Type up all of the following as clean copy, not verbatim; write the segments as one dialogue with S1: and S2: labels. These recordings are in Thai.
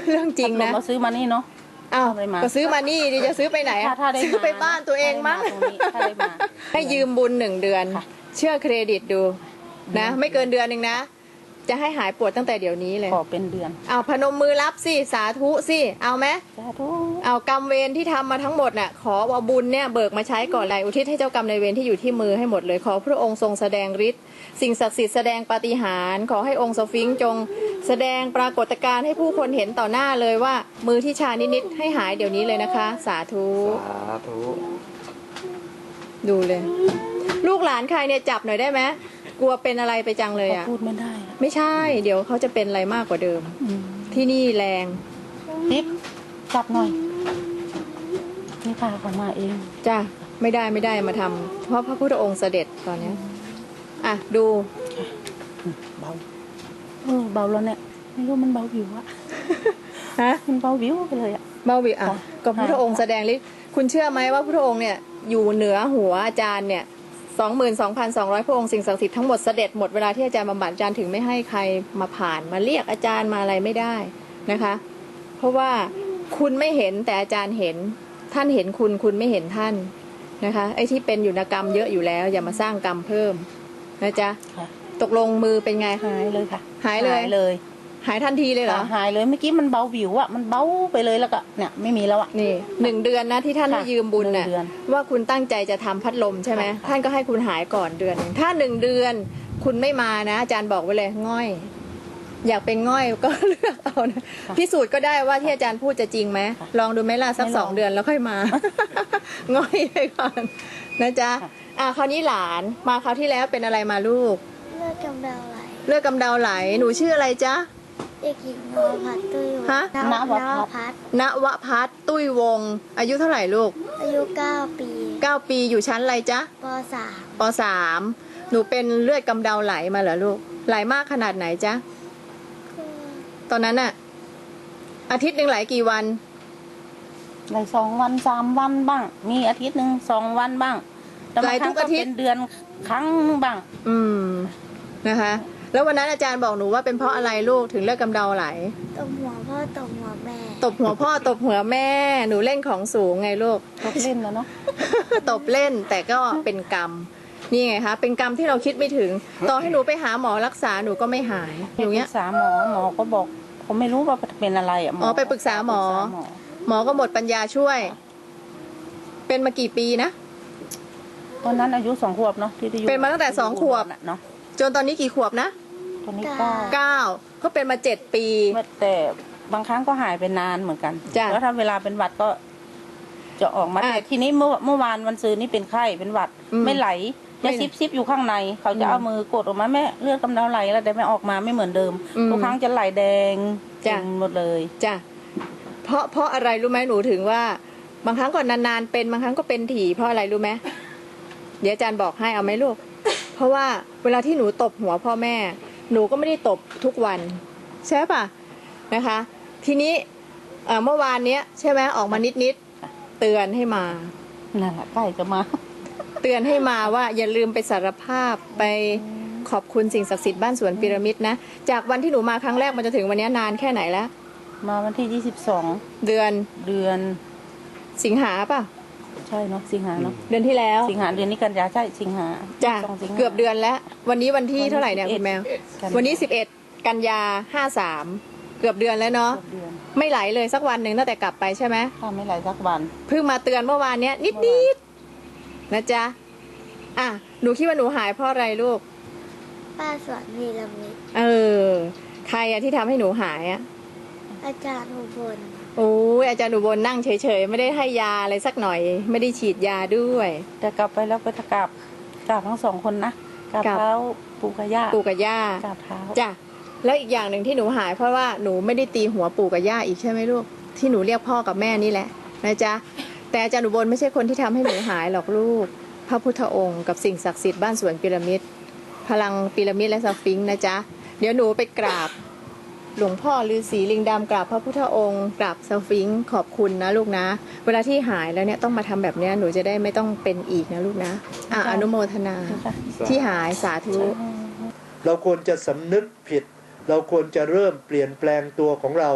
S1: เรื่องจริงนะ
S2: เราซื้อมานี่เนาะ
S1: อ้าวก็ซื้อมานี่ดิจะซื้อไปไหนซื้อไปบ้านตัวเองมั้งให้ยืมบุญ1 เดือนเชื่อเครดิตดูนะไม่เกินเดือนนึงนะจะให้หายปวดตั้งแต่เดี๋ยวนี้เลย
S2: ขอเป็นเดือน
S1: เอาพนมมือรับสิสาธุสิเอาไหม
S2: สาธุ
S1: เอากรรมเวรที่ทำมาทั้งหมดน่ะขอว่าบุญเนี่ยเบิกมาใช้ก่อนเลยอุทิศให้เจ้ากรรมนายเวรที่อยู่ที่มือให้หมดเลยขอพระองค์ทรงแสดงฤทธิ์สิ่งศักดิ์สิทธิ์แสดงปาฏิหาริย์ขอให้องค์สฟิงค์จงแสดงปรากฏการณ์ให้ผู้คนเห็นต่อหน้าเลยว่ามือที่ชานิดๆให้หายเดี๋ยวนี้เลยนะคะสาธุ
S3: สาธุ
S1: ดูเลยลูกหลานใครเนี่ยจับหน่อยได้ไหมกลัวเป็นอะไรไปจังเลยอ่ะ
S2: พูดไม่ได้
S1: ไม่ใช่เดี๋ยวเขาจะเป็นอะไรมากกว่าเดิมที่นี่แรง
S2: ติ๊บจับหน่อยนี่พาเขามาเอง
S1: จ้ะไม่ได้มาทำเพราะพระพุทธองค์เสด็จตอนนี้อ่ะดู
S2: เบาเบาแล้วเนี่ยไม่รู้มันเบาวิวอะ
S1: ฮะ
S2: มันเบาวิวไปเลยอะ
S1: เบาวิวอ่ะก็พระพุทธองค์แสดงฤทธิ์คุณเชื่อไหมว่าพระพุทธองค์เนี่ยอยู่เหนือหัวอาจารย์เนี่ย22,200 พระองค์สิ่งศักดิ์สิทธิ์ทั้งหมดเสด็จหมดเวลาที่อาจารย์บำบัดอาจารย์ถึงไม่ให้ใครมาผ่านมาเรียกอาจารย์มาอะไรไม่ได้นะคะเพราะว่าคุณไม่เห็นแต่อาจารย์เห็นท่านเห็นคุณไม่เห็นท่านนะคะไอ้ที่เป็นอยู่ในกรรมเยอะอยู่แล้วอย่ามาสร้างกรรมเพิ่มนะจ๊ะตกลงมือเป็นไง
S2: หายเลยค่ะ
S1: หายเลยหายทันทีเลยเหรอ
S2: หายเลยเมื่อกี้มันเบาวิวอะมันเบาไปเลยแล้วก็เนี่ยไม่มีแล้วอะ
S1: นี่1 เดือนนะที่ท่านให้ยืมบุญน่ะว่าคุณตั้งใจจะทำพัดลมใช่ไหมท่านก็ให้คุณหายก่อนเดือนนึงถ้า1 เดือนคุณไม่มานะอาจารย์บอกไว้เลยง่อยอยากเป็นง่อยก็เลือกเอานะพิสูจน์ก็ได้ว่าที่อาจารย์พูดจะจริงไหมลองดูไหมล่ะสัก2 เดือนแล้วค่อยมาง่อยไปก่อนนะจ๊ะคราวนี้หลานมาคราวที่แล้วเป็นอะไรมาลูก
S4: เลือดกำเดาไหล
S1: หนูชื่ออะไรจ๊ะ
S4: เด็กหญิงนวพัฒน์ตุ้ยวง
S1: ฮะ
S4: นวพัฒ
S1: น์ตุ้ยวงอายุเท่าไหร่ลูก
S4: อายุ9 ปี
S1: 9 ปีอยู่ชั้นอะไรจ๊ะป .3 หนูเป็นเลือดกำเดาไหลมาเหรอลูกไหลมากขนาดไหนจ๊ะตอนนั้นอะอาทิตย์นึงไหลกี่วัน
S2: ไหล2 วัน3 วันบ้างมีอาทิตย์นึง2 วันบ้าง
S1: ไหลทุกอาทิตย์
S2: เป็นเดือนครั้งบ้าง
S1: นะคะแล้ววันนั้นอาจารย์บอกหนูว่าเป็นเพราะอะไรลูกถึงเลือดกำเดาไหล
S4: ตบหัวพ่อตบหัวแม่
S1: ตบหัวพ่อตบหัวแม่หนูเล่นของสูงไงลูก
S2: ตบเล่นแล้วเนาะ
S1: ตบเล่นแต่ก็เป็นกรรมนี่ไงคะเป็นกรรมที่เราคิดไม่ถึงต่อให้หนูไปหาหมอรักษาหนูก็ไม่หาย
S2: อย่างเงี้ยปรึกษาหมอก็บอกผมไม่รู้ว่าเป็นอะไรอ่ะ
S1: ไปปรึกษาหมอก็หมดปัญญาช่วยเป็นมากี่ปีนะ
S2: ตอนนั้นอายุ2 ขวบเนาะที่
S1: เป็นมาตั้งแต่2 ขวบเนาะจนตอนนี้กี่ขวบนะ
S2: ตอนนี้9
S1: ก็เป็นมา7 ปี
S2: แต่บางครั้งก็หายไปนานเหมือนกันแล้วถ้าเวลาเป็นหวัดก็จะออกมาแต่ทีนี้เมื่อวานวันซืนนี่เป็นไข้เป็นหวัดไม่ไหลจะซิบอยู่ข้างในเขาจะเอามือกดออกมาแม่เลือดกำเดาไหลแล้วแต่ไม่ออกมาไม่เหมือนเดิมทุกครั้งจะไหลแดงหมดเลย
S1: จ้ะเพราะอะไรรู้ไหมหนูถึงว่าบางครั้งก่อนนานๆเป็นบางครั้งก็เป็นถี่เพราะอะไรรู้ไหมเดี๋ยวอาจารย์บอกให้เอาไหมลูกเพราะว่าเวลาที่หนูตบหัวพ่อแม่หนูก็ไม่ได้ตบทุกวันใช่ป่ะนะคะทีนี้เมื่อวานเนี้ยใช่ไหมออกมานิดเตือนให้มา
S2: นั่นแหละใกล้จะมา
S1: เตือนให้มาว่าอย่าลืมไปสารภาพไปขอบคุณสิ่งศักดิ์สิทธิ์บ้านสวนพีระมิดนะจากวันที่หนูมาครั้งแรกมันจะถึงวันนี้นานแค่ไหนแล้ว
S2: มาวันที่22เดือน
S1: สิงหาป่ะ
S2: ใช่เนาะสิงหาเนาะ
S1: เดือนที่แล้ว
S2: สิงหาเดือนนี้กันยาใช่สิงหา
S1: จ้ะเกือบเดือนแล้ววันนี้วันที่เท่าไหร่เนี่ยคุณแมววันนี้11 กันยา53เกือบเดือนแล้วเนาะไม่ไหลเลยสักวันหนึ่งตั้งแต่กลับไปใช่ไหม
S2: ไม่ไหลสักวัน
S1: เพิ่งมาเตือนเมื่อวานเนี้ยนิดนะจ๊ะหนูคิดว่าหนูหายเพราะอะไรลูก
S4: ป้าสวนพีระมิด
S1: ใครที่ทำให้หนูหาย
S4: อาจารย์อุบล
S1: โอ้ยอาจารย์อุบลนั่งเฉยๆไม่ได้ให้ยาอะไรสักหน่อยไม่ได้ฉีดยาด้วย
S2: แต่กลับไปแล้วไปกราบทั้ง2 คนนะกราบเท้าปู่กับย่ากราบเท้า
S1: จ้ะแล้วอีกอย่างหนึ่งที่หนูหายเพราะว่าหนูไม่ได้ตีหัวปู่กับย่าอีกใช่ไหมลูกที่หนูเรียกพ่อกับแม่นี่แหละนะจ๊ะแต่อาจารย์อุบลไม่ใช่คนที่ทำให้หนูหายหรอกลูกพระพุทธองค์กับสิ่งศักดิ์สิทธิ์บ้านสวนพีระมิดพลังพีระมิดและสฟิงค์นะจ๊ะเดี๋ยวหนูไปกราบหลวงพ่อฤาษีลิงดำกราบพระพุทธองค์กราบสฟิงค์ขอบคุณนะลูกนะเวลาที่หายแล้วเนี่ยต้องมาทำแบบนี้หนูจะได้ไม่ต้องเป็นอีกนะลูกนะอนุโมทนาที่หายสาธุ
S3: เราควรจะสำนึกผิดเราควรจะเริ่มเปลี่ยนแปลงตัวของเรา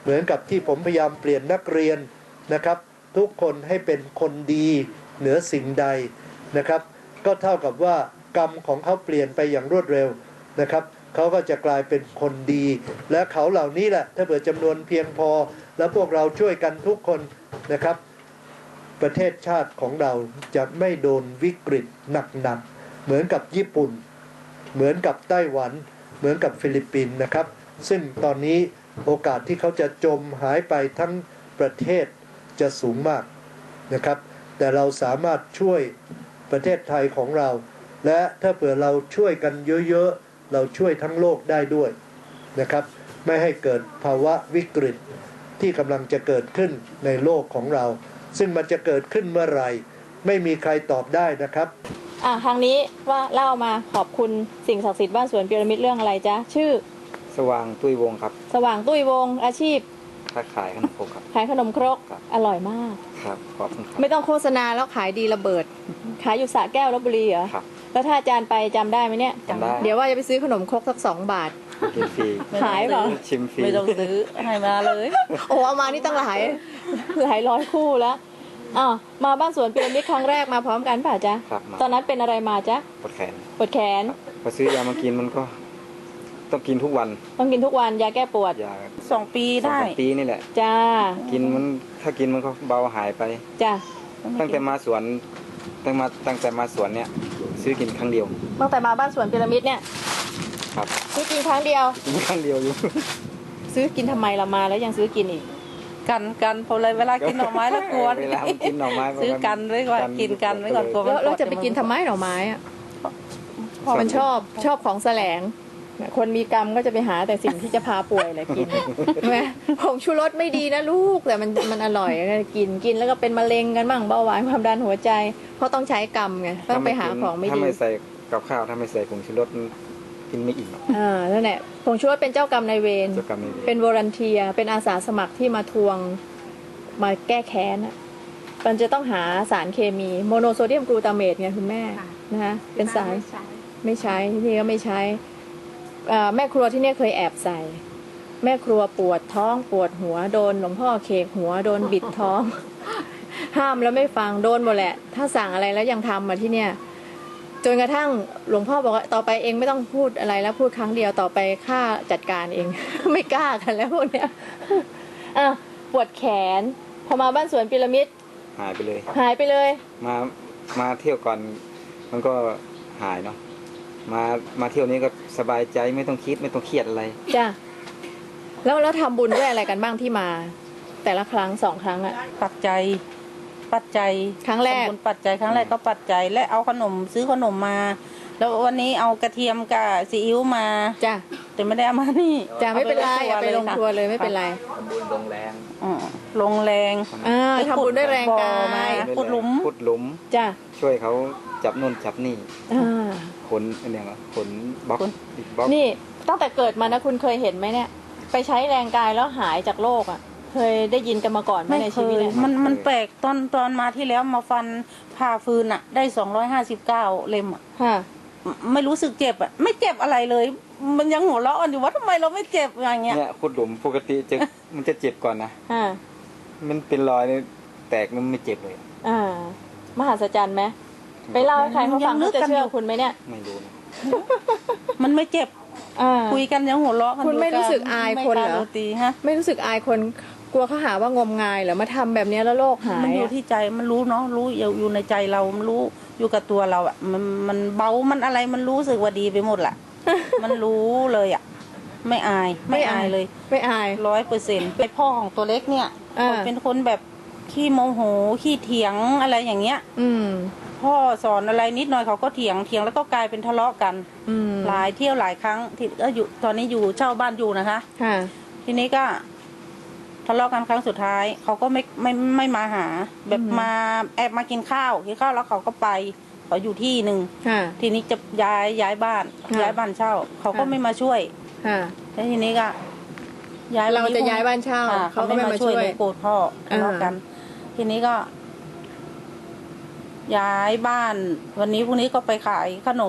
S3: เหมือนกับที่ผมพยายามเปลี่ยนนักเรียนนะครับทุกคนให้เป็นคนดีเหนือสิ่งใดนะครับก็เท่ากับว่ากรรมของเขาเปลี่ยนไปอย่างรวดเร็วนะครับเขาก็จะกลายเป็นคนดีและเขาเหล่านี้แหละถ้าเผื่อจำนวนเพียงพอแล้วพวกเราช่วยกันทุกคนนะครับประเทศชาติของเราจะไม่โดนวิกฤตหนักๆเหมือนกับญี่ปุ่นเหมือนกับไต้หวันเหมือนกับฟิลิปปินส์นะครับซึ่งตอนนี้โอกาสที่เขาจะจมหายไปทั้งประเทศจะสูงมากนะครับแต่เราสามารถช่วยประเทศไทยของเราและถ้าเผื่อเราช่วยกันเยอะๆเราช่วยทั้งโลกได้ด้วยนะครับไม่ให้เกิดภาวะวิกฤตที่กำลังจะเกิดขึ้นในโลกของเราซึ่งมันจะเกิดขึ้นเมื่อไหร่ไม่มีใครตอบได้นะครับ
S1: ทางนี้ว่าเล่ามาขอบคุณสิ่งศักดิ์สิทธิ์บ้านสวนพีระมิดเรื่องอะไรจ๊ะชื่อ
S5: สว่างตุ้ยวงครับ
S1: สว่างตุ้ยวงอาชีพ
S5: ค้าขายขนมครกครับ
S1: ขายขนมครกอร่อยมาก
S5: ครับขอบคุณครับ
S1: ไม่ต้องโฆษณาแล้วขายดีระเบิดขายอยู่สระแก้วลพบุรีเหรอ
S5: ครับ
S1: แล้วถ้าอาจารย์ไปจำได้ไหมเนี่ย
S5: จำได้
S1: เดี๋ยวว่าจะไปซื้อขนมครกสัก2 บาท
S5: กินฟรี
S1: ขายเปล่า
S5: ชิมฟรี
S2: ไม่ต้องซื้อให้มาเลย
S1: โอ้เอามานี่ตั้งหลายร้อยคู่แล้วมาบ้านสวนพีระมิดครั้งแรกมาพร้อมกันป่ะจ๊ะตอนนั้นเป็นอะไรมาจ๊ะ
S5: ปวดแขนพอซื้อยามากินมันก็ต้องกินทุกวัน
S1: ยาแก้ปวด
S2: 2 ปีได้
S5: 2 ปีนี่แหละ
S1: จ้า
S5: กินมันถ้ากินมันก็เบาหายไป
S1: จ้า
S5: ตั้งแต่มาสวนเนี่ยซื้อกินครั้งเดียว
S1: ตั้งแต่มาบ้านสวนพีระมิดเนี่ย
S5: ครับ
S1: ซื้อกินครั้งเดียว
S5: อยู่
S1: ซื้อกินทำไมเรามาแล้วยังซื้อกินอีก
S2: กันพอเลยเวลากินหน่อไม้แล้วกลัว
S5: เวลากินหน่อไม้
S2: ซื้อกันไว้ก่อนกินกันไว้ก่อนกลัว
S1: แล้วจะไปกินทำไมหน่อไม้อ่ะมันชอบของแสลงคนมีกรรมก็จะไปหาแต่สิ่งที่จะพาป่วยแหละกินใช่ไหมผงชูรสไม่ดีนะลูกแต่มันอร่อยกินแล้วก็เป็นมะเร็งกันบ้างเบาหวานความดันหัวใจเพราะต้องใช้กรรมไงต้องไปหาของไม่ดี
S5: ถ้าไม่ใส่กับข้าวถ้าไม่ใส่ผงชูรสกินไม่อิ่ม
S1: นั่นแหละผงชูรสเป็นเจ้ากรรมนายเวรเป็นวอลันเทียเป็นอาสาสมัครที่มาทวงมาแก้แค้นมันจะต้องหาสารเคมีโมโนโซเดียมกลูตาเมตไงคุณแม่นะคะเป็นสารไม่ใช้ที่นี่ก็ไม่ใช้แม่ครัวที่นี่เคยแอบใส่แม่ครัวปวดท้องปวดหัวโดนหลวงพ่อเคกหัวโดนบิดท้องห้ามแล้วไม่ฟังโดนหมดแหละถ้าสั่งอะไรแล้วยังทำมาที่เนี่ยจนกระทั่งหลวงพ่อบอกว่าต่อไปเองไม่ต้องพูดอะไรแล้วพูดครั้งเดียวต่อไปข้าจัดการเอง ไม่กล้ากันแล้วพวกเนี้ยปวดแขนพอมาบ้านสวนพีระมิด
S5: หายไปเลยมาเที่ยวก่อนมันก็หายเนาะมาเที่ยวนี้ก็สบายใจไม่ต้องคิดไม่ต้องเครียดอะไร
S1: จ้ะแล้วทำบุญด้วยอะไรกันบ้างที่มาแต่ละครั้ง2 ครั้งอะ
S2: ปัจจัย
S1: ครั้งแรก
S2: ปัจจัยครั้งแรกก็ปัจจัยและเอาขนมซื้อขนมมาแล้ววันนี้เอากระเทียมกับซีอิ๊วมา
S1: จ้ะ
S2: แต่ไม่ได้เอามานี่
S1: จ้ะไม่เป็นไรไปลงครัวเลยไม่เป็นไร
S5: ทำบุญลงแรง
S1: ทำบุญด้วยแรงกาย
S2: ขุดหลุม
S1: จ้ะ
S5: ช่วยเขาจับนู่นจับนี่ขนเนี่ยขนบล็อก
S1: นี่ตั้งแต่เกิดมานะคุณเคยเห็นไหมเนี่ยไปใช้แรงกายแล้วหายจากโรคอ่ะเคยได้ยินกันมาก่อนไหมในชีวิตเนี่ย
S2: มันแปลกตอนมาที่แล้วมาฟันผ่าฟืนอ่ะได้259เล่มอ่ะไม่รู้สึกเจ็บอ่ะไม่เจ็บอะไรเลยมันยังหัวเราะกันอยู่ว่าทำไมเราไม่เจ็บอย่างเงี้ย
S5: เนี่ยขุดหลุมปกติมันจะเจ็บก่อนนะมันเป็นรอยแตกมันไม่เจ็บเลย
S1: มหัศจรรย์ไหมไปเล่าให้ใครเขาฟังเขาจะเชื่อคุณไหมเนี่ย
S5: ไม่รู้นะ
S2: มันไม่เจ็บคุยกันยังหัวเราะกัน
S1: คุณไม่รู้สึกอายคนเหรอไม่รู้สึกอายคนกลัวเขาหาว่างมงายเหรอมาทำแบบนี้แล้วโรคหาย
S2: มันอยู่ที่ใจมันรู้เนาะรู้อยู่ในใจเรามันรู้อยู่กับตัวเราอ่ะมันเบามันอะไรมันรู้สึกว่าดีไปหมดแหละมันรู้เลยอ่ะไม่อายเลย
S1: ไม่อาย
S2: 100%ไปพ่อของตัวเล็กเนี่ยเป็นคนแบบขี้โมโหขี้เถียงอะไรอย่างเงี้ยพ่อสอนอะไรนิดหน่อยเขาก็เถียงแล้วก็กลายเป็นทะเลาะกันหลายเที่ยวหลายครั้งที่ก็อยู่ตอนนี้อยู่เช่าบ้านอยู่นะคะทีนี้ก็ทะเลาะกันครั้งสุดท้ายเขาก็ไม่มาหาแบบมาแอบมากินข้าวแล้วเขาก็ไปเขาอยู่ที่หนึ่งทีนี้จะย้ายบ้านเช่าเขาก็ไม่มาช่วยแล้วทีนี้ก็
S1: เราจะย้ายบ้านเช่า
S2: เขาไม่มาช่วยโกรธพ่อทะเลาะกันทีนี้ก็ย้ายบ้านวันนี้พรุ่งนี้ก็ไปขายขนม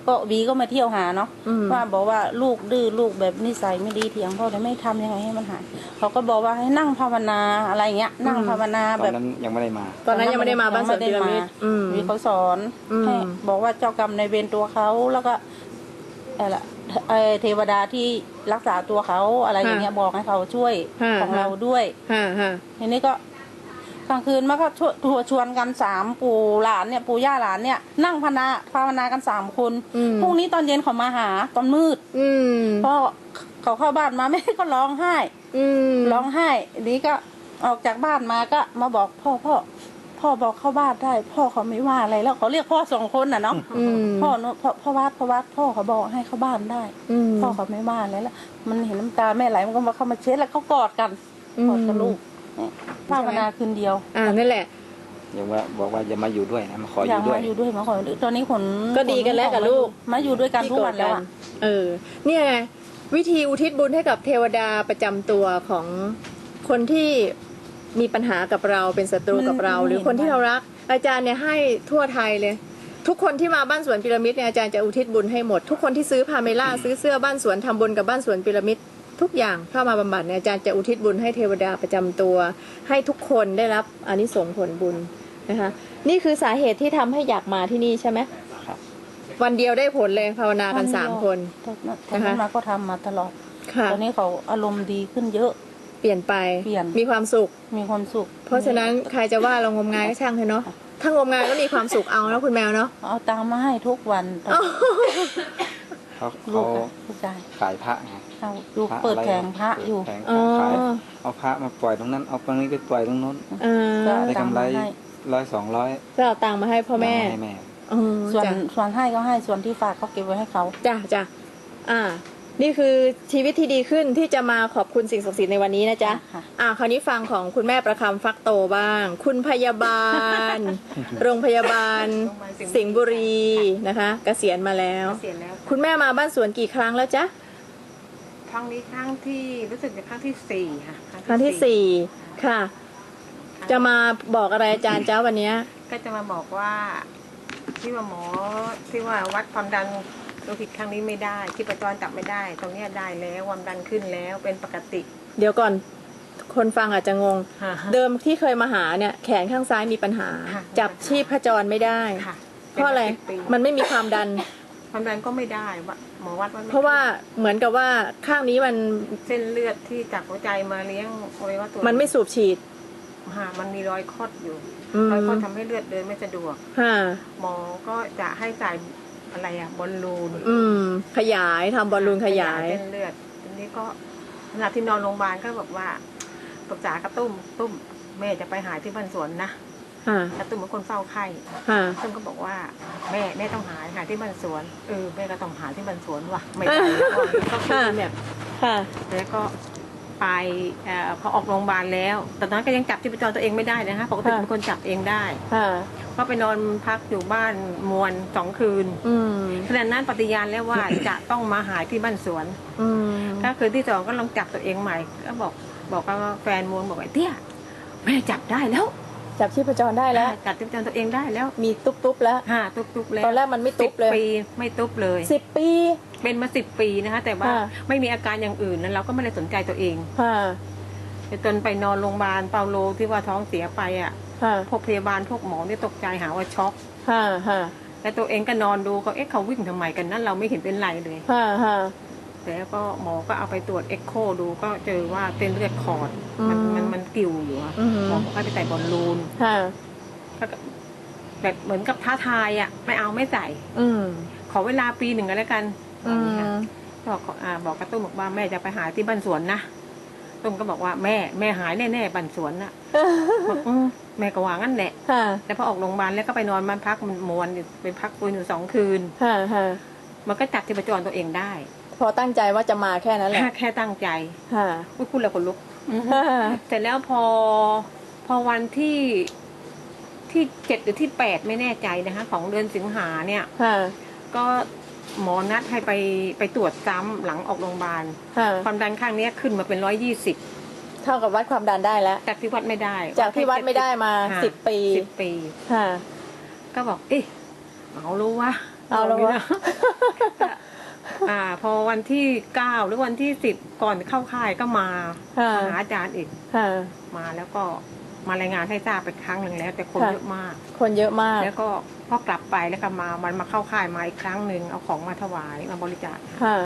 S2: ก็บีก็มาเที่ยวหาเนาะ
S1: อืม
S2: ว่าบอกว่าลูกดื้อลูกแบบนิสัยไม่ดีเถียงพ่อแต่ไม่ทำยังไงให้มันหายเขาก็บอกว่าให้นั่งภาวนาอะไรเงี้ยนั่งภาวนา
S5: ตอ
S2: แบ
S5: น
S2: บ
S5: นั้นยังไม่ได้มา
S1: ตอนนั้นยังไม่ได้มาบ้านสวนพีระมิดอืม
S2: มีเขาสอน
S1: อืม
S2: ให้บอกว่าเจ้ากรรมในายเวรตัวเขาแล้วก็อะไรเทวดาที่รักษาตัวเขาอะไรอย่างเงี้ยบอกให้เขาช่วยของเราด้วย
S1: ฮะฮะ
S2: ทีนี้ก็กลางคืนมันก็ชวนกัน3 ปู่หลานเนี่ยปู่ย่าหลานเนี่ยนั่งภาวนากัน3 คนพรุ่งนี้ตอนเย็นเขามาหาตอนมืด
S1: อืม
S2: พอเขาเข้าบ้านมาแม่ก็ร้องไห้
S1: อืม
S2: ร้องไห้ทีนี้ก็ออกจากบ้านมาก็มาบอกพ่อบอกเข้าบ้านได้ พ่อเขาไม่ว่าอะไรแล้วเขาเรียกพ่อ2 คนน่ะเนาะ
S1: อืม
S2: พ่อวัดพ่อเขาบอกให้เข้าบ้านได้
S1: อืม
S2: พ่อเขาไม่ว่าอะไรแล้วมันเห็นน้ำตาแม่ไหลมันก็มาเข้ามาเช็ดแล้วเขากอดกันกอดกับลูกเนี่ยภาวนาคืนเดียว
S1: นั่นแหละ
S5: ยังว่าบอกว่าจะมาอยู่ด้วยนะมาขออ
S2: อยาก
S5: ยู่ด้วย
S2: มาอยู่ด้วยมาขอตอนนี้ขน
S1: ก็ดีกันแล้วกับลูก
S2: มาอยู่ด้วยกันทุกวันแล้วอะ
S1: เนี่ยไงวิธีอุทิศบุญให้กับเทวดาประจำตัวของคนที่มีปัญหากับเราเป็นศัตรูกับเรา หรือคนที่เรารัก อาจารย์เนี่ยให้ทั่วไทยเลย ทุกคนที่มาบ้านสวนพีระมิดเนี่ยอาจารย์จะอุทิศบุญให้หมดทุกคนที่ซื้อพาเมล่าซื้อเสื้อบ้านสวนทำบุญกับบ้านสวนพีระมิดทุกอย่างเข้ามาบำบัดเนี่ยอาจารย์จะอุทิศบุญให้เทวดาประจำตัว ให้ทุกคนได้รับอานิสงส์ผลบุญนะคะนี่คือสาเหตุที่ทำให้อยากมาที่นี่ใช่ไหม
S5: ครับ
S1: วันเดียวได้ผลเลยภาวนากัน3 คน
S2: ตอนนั้นมาก็ทำมาตลอด
S1: ค่ะ
S2: ตอนนี้เขาอารมณ์ดีขึ้นเยอะ
S1: เปลี่ยนไป
S2: เปลี่ยน
S1: มีความสุข
S2: มีความสุข
S1: เพราะฉะนั้นใครจะว่าเรางมงายก็ช่างเถอะเนาะถ้างมงายก็มีความสุขเอาแล้วคุณแมวเนาะ
S2: เอาตังค์มาให้ทุกวัน
S5: เขา
S2: ลู
S5: เขา
S2: กลูกชาย
S5: ขายพระไง
S2: เอาลูก
S5: พระ
S2: เปิด
S5: อะไร
S2: แผงพระอยู่
S5: แผงพ
S1: อ๋อ
S5: ระขายเอาพระมาปล่อยตรงนั้นเอาตรงนี้ไปปล่อยตรงโน้น
S1: เออ
S2: ก็
S5: ได้กำไร
S2: ตามมาให้
S5: 100-200
S1: ก็เอาตังค์มาให้พ่อแม่
S5: ให้แม่
S1: อ๋อ
S2: ส่วน
S1: จ้ะ
S2: ส่วนให้ก็ให้ส่วนที่ฝากก็เก็บไว้ให้เขา
S1: จ้ะจ้ะนี่คือชีวิตที่ดีขึ้นที่จะมาขอบคุณสิ่งศักดิ์สิทธิ์ในวันนี้นะจ๊ะ
S2: ค่ะ
S1: คราวนี้ฟังของคุณแม่ประคำฟักโตบ้าง คุณพยาบาล โรงพยาบาล สิงห์บุรีนะคะเกษียณมาแล้ว
S6: เสียแล้ว
S1: คุณแม่มาบ้านสวนกี่ครั้งแล้วจ๊ะ
S6: ครั้งนี้ครั้งที่รู้สึกจะครั้งที่4ค่ะ
S1: ครั้งที่4ค่ะ จะมาบอกอะไรอาจารย์จ้าวันเนี้ย
S6: ก็จะมาบอกว่าที่ว่าหมอที่ว่าวัดความดันโลหิตครั้งนี้ไม่ได้ที่ประจรจับไม่ได้ ตรงเนี้ยได้แล้วความดันขึ้นแล้วเป็นปกติ
S1: เดี๋ยวก่อนคนฟังอาจจะงง
S6: ค่ะ
S1: เดิมที่เคยมาหาเนี่ยแขนข้างซ้ายมีปัญหา
S6: ค่ะ
S1: จับชีพจรไม่ได้
S6: ค่ะ
S1: เพราะอะไร
S6: ป็น
S1: มันไม่มีความดัน
S6: ความดันก็ไม่ได้ว่าหมอวัดว่าไม่
S1: เพราะว่าเหมือนกับว่าข้างนี้มัน
S6: เส้นเลือดที่จากหัวใจมาเลี้ยงอวัยวะตัว
S1: มันไม่สูบฉีด
S6: มันมีรอยคดอยู่
S1: อืม
S6: รอยคดทำให้เลือดเดินไม่สะดวก
S1: ค่ะ
S6: หมอก็จะให้ใส่อะไรบอลลูน
S1: ขยายทำบอลลูนขยาย
S6: เส้นเลือดทีนี้ก็ขณะที่นอนโรงพยาบาลก็บอกว่าปรึกษากระตุ้มแม่จะไปหาที่บ้านสวนนะ
S1: ค่ะ
S6: กระตุ้มเป็นคนเฝ้าไข้
S1: ค่ะ
S6: ตุ้มก็บอกว่าแม่ต้องหาที่บ้านสวนแม่ก็ต้องหาที่บ้านสวนว่ะไม่ไปแล้วก็คุยแบบ
S1: ค่ะ
S6: แล้วก็ไปพอออกโรงพยาบาลแล้วตอนนั้นก็ยังจับชีพจรตัวเองไม่ได้นะคะปกติเป็นคนจับเองได้
S1: ค่ะ
S6: ก็ไปนอนพักอยู่บ้านมวล2 คืน
S1: อืม
S6: ขณะนั้นปฏิญาณแล้วว่า จะต้องมาหาที่บ้านสวน
S1: อืม
S6: ก็คืนที่2ก็ลองจับตัวเองใหม่ก็บอกกับแฟนมวลบอกไอ้เตี้ยแม่จับได้แล้ว
S1: จับชีพจรได้แล้ว
S6: จับชีพจรตัวเองได้แล้ว
S1: มีตุ๊บๆแล้ว
S6: ตุ๊บแล้ว
S1: ตอนแรกมันไม่ตุ๊บเลย
S6: 10 ปีไม่ตุ๊บเลย
S1: 10 ปี
S6: เป็นมา10 ปีนะคะแต่ว่า
S1: ค่ะ
S6: ไม่มีอาการอย่างอื่นนั้นเราก็ไม่ได้สนใจตัวเอง
S1: ค่ะ
S6: จนไปนอนโรงพยาบาลเปาโลที่ว่าท้องเสียไปอ่ะ
S1: ค่ะ
S6: พวกพยาบาลพวกหมอเนี่ยตกใจหาว่าช็อก
S1: ค่ะ ค่ะ
S6: แล้วตัวเองก็นอนดูก็เขาวิ่งทำไมกันนั้นเราไม่เห็นเป็นไรเลย
S1: ค่ะ ค่ะ
S6: แล้วก็หมอก็เอาไปตรวจเอ็กโคดูก็เจอว่าเส้นเลือดขอดมันกิ่วอยู่อะ
S1: อืม
S6: หมอก็ไปใส่บอลลูน
S1: ค่ะ
S6: ก็แบบเหมือนกับท้าทายอ่ะไม่เอาไม่ใส่
S1: อืม
S6: ขอเวลาปี 1ก็แล้วกัน
S1: อืม
S6: บอกกระตุ้มบอกว่าแม่จะไปหาที่บ้านสวนนะตุ้มก็บอกว่าแม่หายแน่ๆบ้านสวนน่ะบอกแม่ก็ว่างั้นแหละ
S1: ค่ะ
S6: แต่พอออกโรงพยาบาลแล้วก็ไปนอนบ้านพักมันมวนอยู่ไปพักฟื้นอยู่2 คืน
S1: ค่ะ ค่ะ
S6: มันก็จับชีพจรตัวเองได้
S1: พอตั้งใจว่าจะมาแค่นั้นแหละ
S6: แค่ตั้งใจ
S1: ค่ะ
S6: พูดแล้วขนลุก เสร็จแล้วพอวันที่7หรือที่8ไม่แน่ใจนะคะของเดือนสิงหาเนี่ย
S1: ค่ะ
S6: ก็หมอนัดให้ไปตรวจซ้ำหลังออกโรงพยาบาล
S1: ค่ะ
S6: ความดันข้างเนี้ยขึ้นมาเป็น120
S1: เท่ากับวัดความดันได้แล้ว
S6: จากที่วัดไม่ได้
S1: จากที่วัดไม่ได้มา10 ปี
S6: 10 ปี
S1: ค่ะ
S6: ก็บอกเอ๊ะเอารู้วะ
S1: เอาแล้ว
S6: บอก
S1: วะ
S6: นี่นะพอวันที่9หรือวันที่10ก่อนเข้าค่ายก็มา
S1: ค่ะ
S6: หาอาจารย์อีก
S1: ค่ะ
S6: มาแล้วก็มารายงานให้ทราบไปครั้งหนึ่งแล้ว แต่คน
S1: ค่ะ
S6: เยอะมาก
S1: คนเยอะมาก
S6: แล้วก็พอกลับไปแล้วก็มาเข้าค่ายมาอีกครั้งหนึ่งเอาของมาถวายมาบริจาค
S1: ค่ะ